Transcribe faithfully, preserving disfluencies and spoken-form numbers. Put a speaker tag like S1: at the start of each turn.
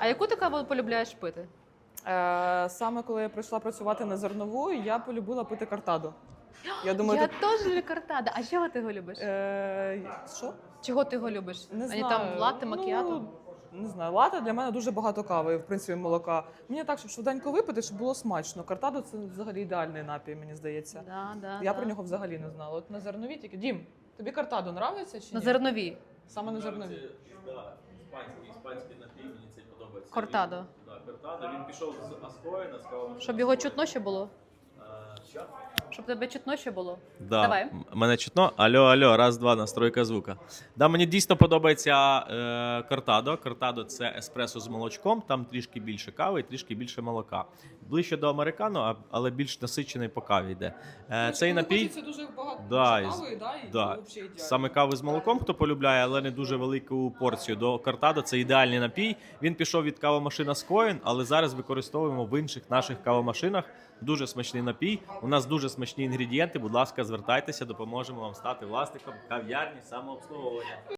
S1: А яку ти каву полюбляєш пити?
S2: Е, саме коли я прийшла працювати на зернову, я полюбила пити картадо. Я думаю,
S1: Я
S2: тут...
S1: теж люблю картада. А чого ти його любиш?
S2: Е, що?
S1: Чого ти його любиш?
S2: Не
S1: Ані
S2: знаю.
S1: там латте, макіато?
S2: Ну, не знаю, латте для мене дуже багато кави, в принципі, молока. Мені так, щоб швиденько випити, щоб було смачно. Картадо – це взагалі ідеальний напій, мені здається.
S1: Да, да,
S2: Я
S1: да.
S2: про нього взагалі не знала. От на зернові тільки. Дім, тобі картадо нравиться чи ні?
S1: На зернові.
S2: Саме на зернові.
S3: Так, іспанський, іспанський напій, мені цей подобається.
S1: Кортадо.
S3: Він, да, кортадо, він пішов з Аскоїна, з кавомашини.
S1: Щоб його чутно ще було?
S3: Е, Що?
S1: Щоб тебе чутно ще було?
S4: Да.
S1: Давай.
S4: М- Мене чутно. Алло, алло, раз, два, настройка звука. Да, мені дійсно подобається е, кортадо. Кортадо – це еспресо з молочком, там трішки більше кави і трішки більше молока. Ближче до американо, а- але більш насичений по каві йде. Е, цей напій,
S2: Це дуже багато
S4: Да, і-
S2: кави, да, і
S4: да,
S2: взагалі ідеально.
S4: саме кави з молоком, хто полюбляє, але не дуже велику порцію. До кортадо це ідеальний напій. Він пішов від кавомашина Скоїн, але зараз використовуємо в інших наших кавомашинах. Дуже смачний напій. У нас дуже смачні інгредієнти. Будь ласка, звертайтеся, допоможемо вам стати власником кав'ярні самообслуговування.